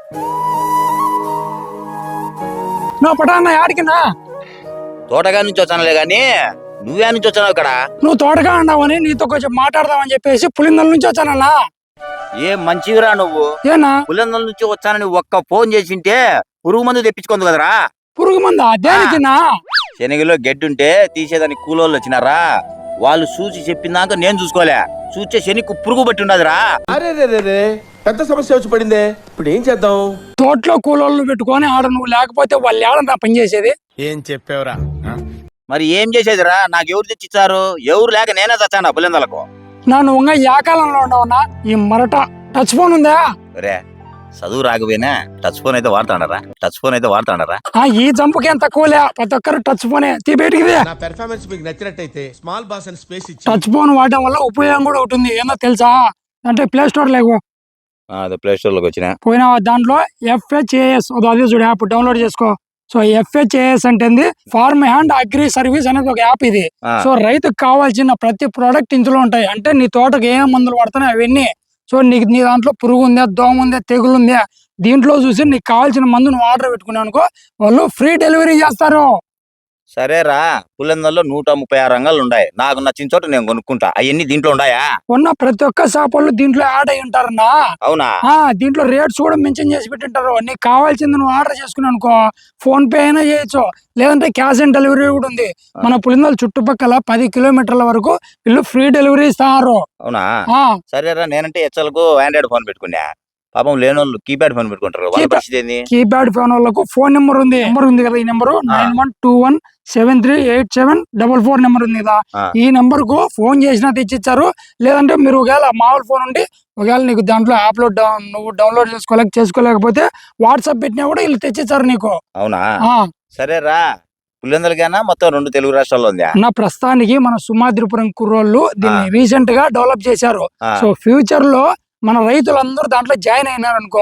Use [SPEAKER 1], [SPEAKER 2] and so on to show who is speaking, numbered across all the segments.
[SPEAKER 1] నువ్వు పటాన్న ఆడికినా
[SPEAKER 2] తోటగా నుంచి వచ్చానులే గాని నువ్వే నుంచి వచ్చావు ఇక్కడ.
[SPEAKER 1] నువ్వు తోటగా అన్నావని నీతో కొంచెం మాట్లాడదామని చెప్పేసి పులిందల నుంచి వచ్చానన్నా.
[SPEAKER 2] ఏం మంచివిరా నువ్వు.
[SPEAKER 1] ఏనా
[SPEAKER 2] పులిందల నుంచి వచ్చానని ఒక్క ఫోన్ చేసింటే పురుగు మందు తెప్పించుకుంది కదరా.
[SPEAKER 1] పురుగు మందా దేనికినా?
[SPEAKER 2] శనగలో గడ్డుంటే తీసేదానికి కూలోళ్ళు వచ్చినారా, వాళ్ళు చూసి చెప్పినాక నేను చూసుకోలే, చూచే శనికి పురుగు పట్టి ఉన్నదిరా.
[SPEAKER 3] అరే రే పెద్ద సమస్య వచ్చి పడిందే, ఇప్పుడు ఏం చేద్దాం?
[SPEAKER 1] తోటలో కూలోళ్ళు పెట్టుకొని ఆడ నువ్వు లేకపోతే వాళ్ళు ఏడన్నా పని చేసేది.
[SPEAKER 3] ఏం చెప్పావురా?
[SPEAKER 2] మరి ఏం చేసేదిరా, నాకు ఎవరు తెచ్చిచ్చారు? ఎవరు లేక నేనే తెచ్చాను పులిందలకు.
[SPEAKER 1] నన్ను ఇంకా ఏ కాలంలో ఉండవునా ఈ మరట టచ్ ఫోన్ ఉందా?
[SPEAKER 2] రే చదువు రాకపోయినా టచ్ ఫోన్ అయితే వాడతాడరా.
[SPEAKER 1] ఈ జంపుకి ఏం తక్కువలే, ప్రతి ఒక్కరు టచ్ ఫోనే తీ బయటికి.
[SPEAKER 3] నా పెర్ఫార్మెన్స్ మీకు నచ్చినట్టయితే స్మాల్ బాస్ అండ్ స్పేస్ ఇచ్చి
[SPEAKER 1] టచ్ ఫోన్ వాడటం వల్ల ఉపయోగం కూడా ఉంటుంది. ఏందో తెలుసా? అంటే ప్లే స్టోర్ లేవు
[SPEAKER 2] అదే ప్లే స్టోర్ లోకి వచ్చిన
[SPEAKER 1] పోయినా దాంట్లో FHAS అదే చూడు యాప్ డౌన్లోడ్ చేసుకో. సో FHAS అంటే ఫార్మ్ అండ్ అగ్రి సర్వీస్ అనేది ఒక యాప్ ఇది. సో రైతుకు కావాల్సిన ప్రతి ప్రోడక్ట్ ఇందులో ఉంటాయి. అంటే నీ తోటకు ఏం మందులు పడుతున్నాయి అవన్నీ. సో నీకు నీ దాంట్లో పురుగు ఉందా, దోమ ఉందా, తెగులు ఉందా, దీంట్లో చూసి నీకు కావాల్సిన మందు నువ్వు ఆర్డర్ పెట్టుకున్నావు అనుకో, వాళ్ళు ఫ్రీ డెలివరీ చేస్తారు.
[SPEAKER 2] సరేరా, పులిందల్లో 136 రంగాలు ఉన్నాయి. నాకు నచ్చిన చోట నేను కొనుక్కుంటా. అవన్నీ దీంట్లో ఉన్నాయా?
[SPEAKER 1] ఉన్న ప్రతి ఒక్క షాప్ వాళ్ళు దీంట్లో యాడ్ అయి ఉంటారన్నా.
[SPEAKER 2] అవునా?
[SPEAKER 1] దీంట్లో రేట్స్ కూడా మెన్షన్ చేసి పెట్టింటారు. నీకు కావాల్సింది నువ్వు ఆర్డర్ చేసుకున్నావు అనుకో, ఫోన్ పే అయినా చేయొచ్చు, లేదంటే క్యాష్ ఆన్ డెలివరీ కూడా ఉంది. మన పులిందల చుట్టుపక్కల 10 కిలోమీటర్ల వరకు వీళ్ళు ఫ్రీ డెలివరీ ఇస్తారు.
[SPEAKER 2] అవునా? సరేరా, నేనంటే హెచ్ఎల్కు ఆండ్రాయిడ్ ఫోన్ పెట్టుకున్నా. పాపం లేనోళ్ళు కీప్యాడ్ ఫోన్ పెట్టుకుంటారు.
[SPEAKER 1] కీప్యాడ్ ఫోన్ వాళ్ళకు ఫోన్ నెంబర్ ఉంది కదా, ఈ నెంబర్ 9121738744 నెంబర్ ఉంది కదా, ఈ నెంబర్ కు ఫోన్ చేసినా తెచ్చిచ్చారు. లేదంటే మీరు ఒకవేళ మామూలు ఫోన్ ఉండి ఒకవేళ నీకు దాంట్లో యాప్ లో నువ్వు డౌన్లోడ్ చేసుకోలేకపోతే వాట్సాప్ పెట్టినా కూడా వీళ్ళు తెచ్చిచ్చారు నీకు.
[SPEAKER 2] అవునా? సరేరా, పులిందలకైనా మొత్తం 2 తెలుగు రాష్ట్రాల్లో ఉంది.
[SPEAKER 1] నా ప్రస్తుతానికి మన సుమాద్రిపురం కుర్రోళ్ళు దీన్ని రీసెంట్ గా డెవలప్ చేశారు. సో ఫ్యూచర్ లో మన రైతులందరూ దాంట్లో జాయిన్ అయినారనుకో,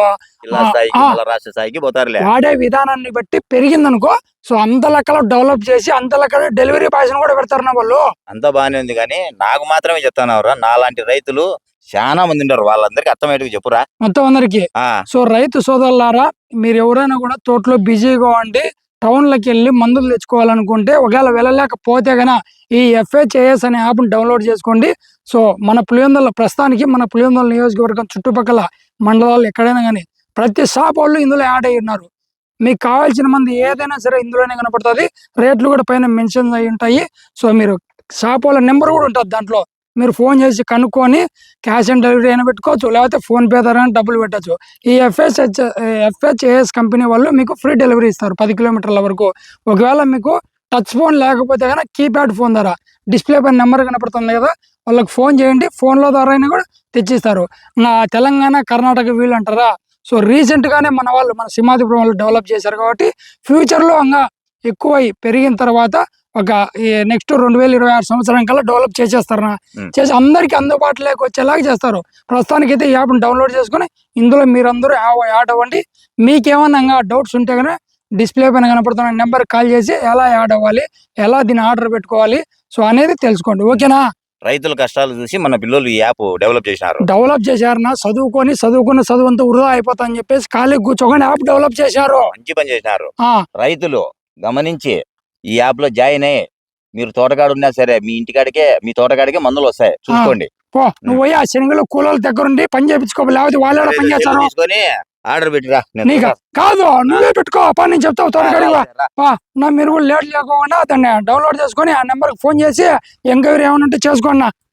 [SPEAKER 1] వాడే విధానాన్ని బట్టి పెరిగిందనుకో, సో అంత లెక్కలో డెవలప్ చేసి అంత లెక్కలో డెలివరీ బాయ్స్ కూడా పెడతారు నా వాళ్ళు.
[SPEAKER 2] అంతా బాగానే ఉంది కానీ నాకు మాత్రమే చెప్తానవరా, నాలాంటి రైతులు చాలా మంది ఉంటారు. వాళ్ళందరికీ అర్థమయ్యేట్టుగా చెప్పురా
[SPEAKER 1] మొత్తం అందరికి. సో రైతు సోదరులారా, మీరు ఎవరైనా కూడా తోటలో బిజీగా ఉండి టౌన్లకి వెళ్ళి మందులు తెచ్చుకోవాలనుకుంటే, ఒకవేళ వెళ్ళలేకపోతే గన ఈ FHAS అనే యాప్ డౌన్లోడ్ చేసుకోండి. సో మన పులివెందుల ప్రస్తుతానికి మన పులివెందుల నియోజకవర్గం చుట్టుపక్కల మండలాలు ఎక్కడైనా కానీ ప్రతి షాప్ వాళ్ళు ఇందులో యాడ్ అయి ఉన్నారు. మీకు కావాల్సిన మంది ఏదైనా సరే ఇందులోనే కనపడుతుంది. రేట్లు కూడా పైన మెన్షన్ అయి ఉంటాయి. సో మీరు షాప్ వాళ్ళ నెంబర్ కూడా ఉంటుంది దాంట్లో, మీరు ఫోన్ చేసి కనుక్కొని క్యాష్ ఆన్ డెలివరీ అయినా పెట్టుకోవచ్చు, లేకపోతే ఫోన్ పే ద్వారా డబ్బులు పెట్టచ్చు. ఈ FHAS కంపెనీ వాళ్ళు మీకు ఫ్రీ డెలివరీ ఇస్తారు 10 కిలోమీటర్ల వరకు. ఒకవేళ మీకు టచ్ ఫోన్ లేకపోతే కనుక కీప్యాడ్ ఫోన్ ద్వారా డిస్ప్లే పైన నెంబర్ కనపడుతుంది కదా, వాళ్ళకి ఫోన్ చేయండి, ఫోన్ల ద్వారా అయినా కూడా తెచ్చిస్తారు. నా తెలంగాణ కర్ణాటక వీళ్ళు అంటారా, సో రీసెంట్ గానే మన సింహాద్రిపురం వాళ్ళు డెవలప్ చేశారు కాబట్టి ఫ్యూచర్ లో ఇంకా ఎక్కువై పెరిగిన తర్వాత ఒక నెక్స్ట్ 2026 సంవత్సరం కల్లా డెవలప్ చేసేస్తారు. చేసి అందరికి అందుబాటులోకి వచ్చేలాగా చేస్తారు. ప్రస్తుతానికి అయితే ఈ యాప్ డౌన్లోడ్ చేసుకుని ఇందులో మీరందరూ యాడ్ అవ్వండి. మీకేమన్నా డౌట్స్ ఉంటే కనుక డిస్ప్లే పైన కనపడుతున్న నెంబర్ కాల్ చేసి ఎలా యాడ్ అవ్వాలి, ఎలా దీన్ని ఆర్డర్ పెట్టుకోవాలి సో అనేది తెలుసుకోండి. ఓకేనా?
[SPEAKER 2] రైతుల కష్టాలు చూసి మన పిల్లలు ఈ యాప్ డెవలప్
[SPEAKER 1] చేశారు. చదువు అంతా వృధా అయిపోతా అని చెప్పేసి ఖాళీ కూర్చోగానే యాప్ డెవలప్ చేశారు.
[SPEAKER 2] మంచి పని చేసినారు. రైతులు గమనించి ఈ యాప్ లో జాయిన్ అయ్యి మీరు తోటకాడు ఉన్నా సరే మీ తోటకాడికే మందులు వస్తాయి చూసుకోండి.
[SPEAKER 1] నువ్వు పోయి ఆ శనగలు కూలోళ్ళ దగ్గర ఉండి పని చేయించుకో, లేకపోతే వాళ్ళ పని చేస్తారు.
[SPEAKER 2] ఆర్డర్ పెట్టిరా.
[SPEAKER 1] కాదు నువ్వే పెట్టుకో పని, నేను చెప్తావు తోటకాడికి మీరు కూడా లేట్ లేకుండా దాన్ని డౌన్లోడ్ చేసుకొని ఆ నెంబర్ ఫోన్ చేసి ఎంక్వైరీ ఏమైనా ఉంటే చేసుకోండి.